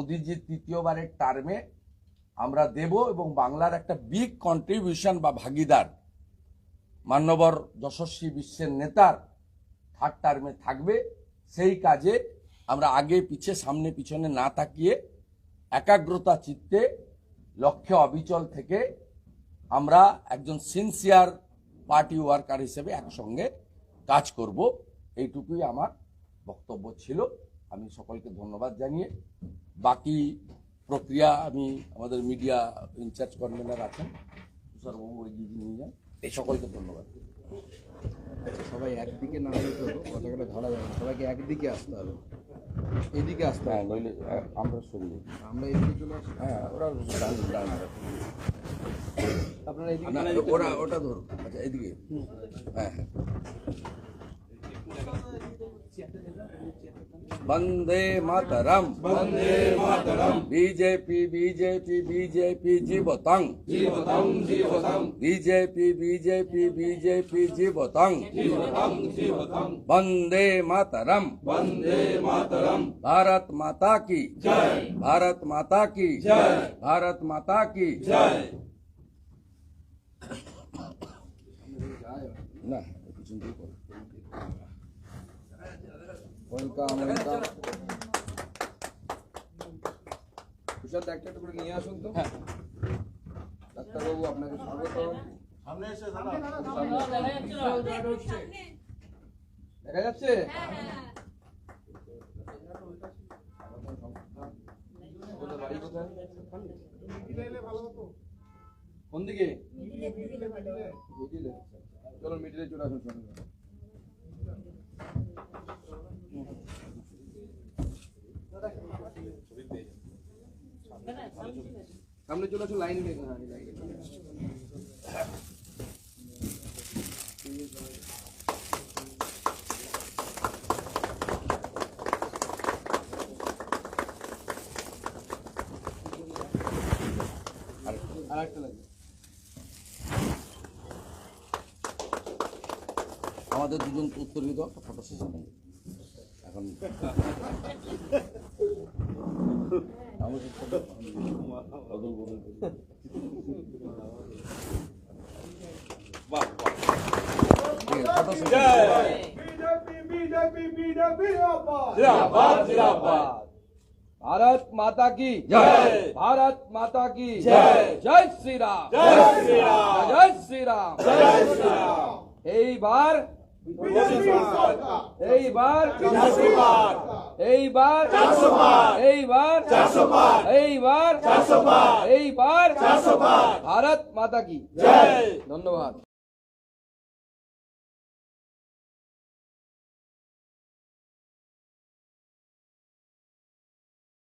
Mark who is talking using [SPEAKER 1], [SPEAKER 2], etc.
[SPEAKER 1] মোদিজির তৃতীয়বারের টার্মে আমরা দেব এবং বাংলার একটা বিগ কন্ট্রিবিউশন বা ভাগিদার মান্যবর যশস্বী বিশ্বের নেতার থার্ড টার্মে থাকবে। সেই কাজে আমরা আগে পিছে সামনে পিছনে না তাকিয়ে একাগ্রতা চিত্তে লক্ষ্যে অবিচল থেকে আমরা একজন সিনসিয়ার পার্টি ওয়ার্কার হিসেবে একসঙ্গে কাজ করব। এইটুকুই আমার বক্তব্য ছিল। আমি সকলকে ধন্যবাদ জানিয়ে বাকি প্রক্রিয়া আমি আমাদের মিডিয়া ইনচার্জ কনভেনার আছেন তুষারবাবু ওই দিদি নিয়ে যান। এই সকলকে ধন্যবাদ।
[SPEAKER 2] সবাই একদিকে না হলে তো কথাটা ধরা যাবে না, সবাইকে একদিকে আসতে হবে, এদিকে আসতে হবে,
[SPEAKER 1] নইলে আমরা সরিয়ে
[SPEAKER 2] আমরা এদিকে চলে আসি।
[SPEAKER 1] হ্যাঁ ওরা
[SPEAKER 2] আপনারা এদিকে
[SPEAKER 1] ওরা ওটা ধরুন। আচ্ছা এদিকে হ্যাঁ হ্যাঁ Vande Mataram
[SPEAKER 3] Vande Mataram
[SPEAKER 1] BJP BJP BJP जीवतंग
[SPEAKER 3] जीवतंग जीवतंग
[SPEAKER 1] बीजेपी बीजेपी बीजेपी जीवतंग
[SPEAKER 3] जीवतंग जीवतंग
[SPEAKER 1] वंदे मातरम
[SPEAKER 3] वंदे मातरम
[SPEAKER 1] भारत माता की
[SPEAKER 3] जय
[SPEAKER 1] भारत माता की
[SPEAKER 3] जय
[SPEAKER 1] भारत माता की
[SPEAKER 3] जय
[SPEAKER 1] ना
[SPEAKER 2] ওয়েলকাম ওয়েলকাম। তুষার একটা একটু করে নিয়ে আসুন তো। ডাক্তারবাবু আপনাকে স্বাগত। দেখা যাচ্ছে? বাড়ি কোথায়? কোন দিকে? মিডিলে। চলো মিডিলে চলে আসুন সঙ্গে। সামনে চলে আসুন, লাইন দিয়ে। আর একটা লাগবে।
[SPEAKER 1] আমাদের দুজন উত্তর দিত ফটো সেশন এখন
[SPEAKER 2] भारत माता की
[SPEAKER 3] जय
[SPEAKER 2] भारत माता की
[SPEAKER 3] जय
[SPEAKER 2] जय श्री राम
[SPEAKER 3] जय श्री राम
[SPEAKER 2] जय श्री राम
[SPEAKER 3] जय श्री राम
[SPEAKER 2] এইবার এইবার
[SPEAKER 3] 400 বার
[SPEAKER 2] এইবার
[SPEAKER 3] 400 বার
[SPEAKER 2] এইবার
[SPEAKER 3] 400 বার
[SPEAKER 2] এইবার
[SPEAKER 3] 400 বার
[SPEAKER 2] এইবার
[SPEAKER 3] 400 বার
[SPEAKER 2] ভারত মাতা কি
[SPEAKER 3] जय
[SPEAKER 2] ধন্যবাদ।